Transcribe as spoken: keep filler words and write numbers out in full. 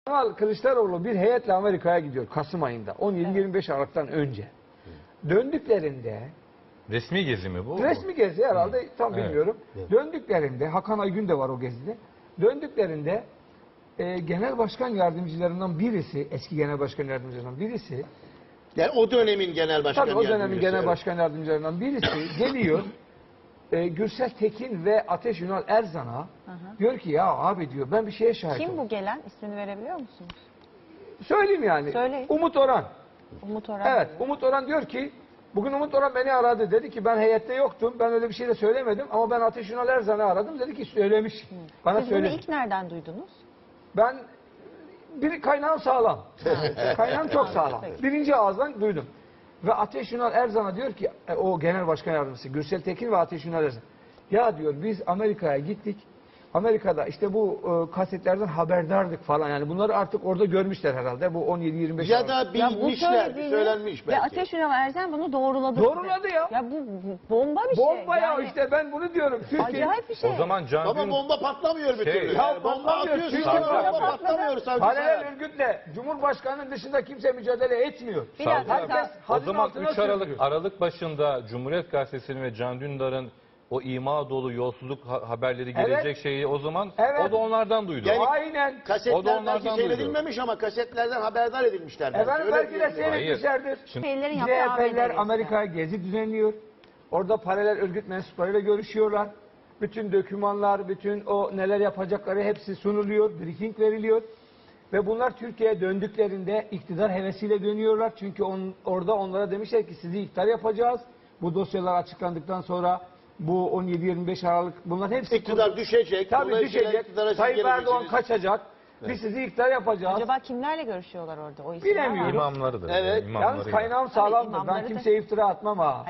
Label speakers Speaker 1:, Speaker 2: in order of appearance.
Speaker 1: Kemal Kılıçdaroğlu bir heyetle Amerika'ya gidiyor Kasım ayında. on yedi yirmi beş Aralık'tan önce. Döndüklerinde
Speaker 2: Resmi gezi mi bu?
Speaker 1: resmi gezi herhalde
Speaker 2: Hı.
Speaker 1: tam
Speaker 2: Evet.
Speaker 1: bilmiyorum.
Speaker 2: Evet.
Speaker 1: Döndüklerinde Hakan Aygün de var o gezide. Döndüklerinde e, genel başkan yardımcılarından birisi, eski genel başkan yardımcılarından birisi,
Speaker 3: Yani o dönemin genel başkan
Speaker 1: tabii o dönemin
Speaker 3: yardımcısı,
Speaker 1: genel
Speaker 3: evet.
Speaker 1: başkan yardımcılarından birisi geliyor. e, Gürsel Tekin ve Ateş Ünal Erzan'a diyor ki ya abi diyor ben bir şeye şahit
Speaker 4: Kim
Speaker 1: oldum.
Speaker 4: bu gelen? İsmini verebiliyor musunuz?
Speaker 1: Söyleyeyim yani.
Speaker 4: Söyleyin.
Speaker 1: Umut Orhan.
Speaker 4: Umut Orhan.
Speaker 1: Evet, Umut Orhan diyor ki, bugün Umut Orhan beni aradı. Dedi ki ben heyette yoktum, ben öyle bir şey de söylemedim ama ben Ateş Ünal Erzan'ı aradım. Dedi ki söylemiş. Bana
Speaker 4: Siz bunu
Speaker 1: söyledi.
Speaker 4: ilk nereden duydunuz?
Speaker 1: Ben, bir kaynağım sağlam. Kaynağım çok sağlam.
Speaker 4: Peki.
Speaker 1: Birinci ağızdan duydum. Ve Ateş Ünal Erzan'a diyor ki, e, o genel başkan yardımcısı Gürsel Tekin ve Ateş Ünal Erzan. Ya diyor biz Amerika'ya gittik. Amerika'da işte bu e, kasetlerden haberdardık falan yani bunları artık orada görmüşler herhalde bu on yedi yirmi beş
Speaker 3: Ya da
Speaker 4: Ya bu
Speaker 3: bilmişler,
Speaker 4: söylediğiniz
Speaker 3: söylenmiş
Speaker 4: ve
Speaker 3: belki.
Speaker 4: Ateş Ünal Erzen bunu doğruladı.
Speaker 1: Doğruladı
Speaker 4: size.
Speaker 1: ya.
Speaker 4: Ya bu bu bomba bir şey.
Speaker 1: Bomba ya
Speaker 4: Yani
Speaker 1: işte ben bunu diyorum. Türkiye,
Speaker 4: Acayip bir şey.
Speaker 2: O zaman Can
Speaker 3: Ama
Speaker 2: Gün...
Speaker 3: bomba patlamıyor bir
Speaker 2: Şey-
Speaker 3: türlü.
Speaker 2: Ya
Speaker 3: Yani bomba
Speaker 1: patlamıyor,
Speaker 3: atıyorsun
Speaker 1: çünkü
Speaker 3: ama
Speaker 2: bomba
Speaker 3: bomba
Speaker 4: patladı.
Speaker 3: patlamıyor savcı
Speaker 1: paralel
Speaker 3: Sayar.
Speaker 1: örgütle Cumhurbaşkanı'nın dışında kimse mücadele etmiyor.
Speaker 4: Bir
Speaker 2: Savcı
Speaker 4: dakika.
Speaker 2: abi,
Speaker 1: Herkes
Speaker 2: O
Speaker 1: hadin
Speaker 2: zaman
Speaker 1: altına
Speaker 2: üç Aralık,
Speaker 1: sürüyor.
Speaker 2: Aralık başında Cumhuriyet Gazetesi'nin ve Can Dündar'ın o ima dolu yolsuzluk ha- haberleri gelecek
Speaker 1: Evet.
Speaker 2: şeyi o zaman
Speaker 1: Evet.
Speaker 2: o da onlardan duydu.
Speaker 3: Yani-
Speaker 1: Aynen.
Speaker 2: O da
Speaker 3: Kasetler
Speaker 2: onlardan
Speaker 3: belki seyredilmemiş ama kasetlerden haberdar edilmişler. belki.
Speaker 1: Efendim
Speaker 3: Öyle
Speaker 1: belki de
Speaker 3: diyelim.
Speaker 1: seyretmişlerdir.
Speaker 2: Şimdi
Speaker 4: Şeylerin yaptığı
Speaker 1: C H P'liler
Speaker 4: A B D'de
Speaker 1: Amerika'ya gezi düzenliyor. Orada paralel örgüt mensuplarıyla görüşüyorlar. Bütün dokümanlar, bütün o neler yapacakları hepsi sunuluyor, briefing veriliyor. Ve bunlar Türkiye'ye döndüklerinde iktidar hevesiyle dönüyorlar. Çünkü on, orada onlara demişler ki sizi iktidar yapacağız. Bu dosyalar açıklandıktan sonra bu on yedi yirmi beş Aralık bunların hepsi
Speaker 3: İktidar düşecek.
Speaker 1: tabii
Speaker 3: dolayısıyla
Speaker 1: düşecek.
Speaker 3: iktidara siz
Speaker 1: Tayyip Erdoğan
Speaker 3: geleceksiniz.
Speaker 1: kaçacak. Biz sizi iktidar yapacağız.
Speaker 4: Acaba kimlerle görüşüyorlar orada? O isimler var mı?
Speaker 1: Bilemiyorum.
Speaker 2: imamlarıdır.
Speaker 3: Evet,
Speaker 2: yani,
Speaker 1: Yalnız
Speaker 2: imamlarıyla.
Speaker 1: kaynağım sağlamdır.
Speaker 4: imamları
Speaker 1: Ben
Speaker 4: da-
Speaker 1: kimseye iftira atmam ha.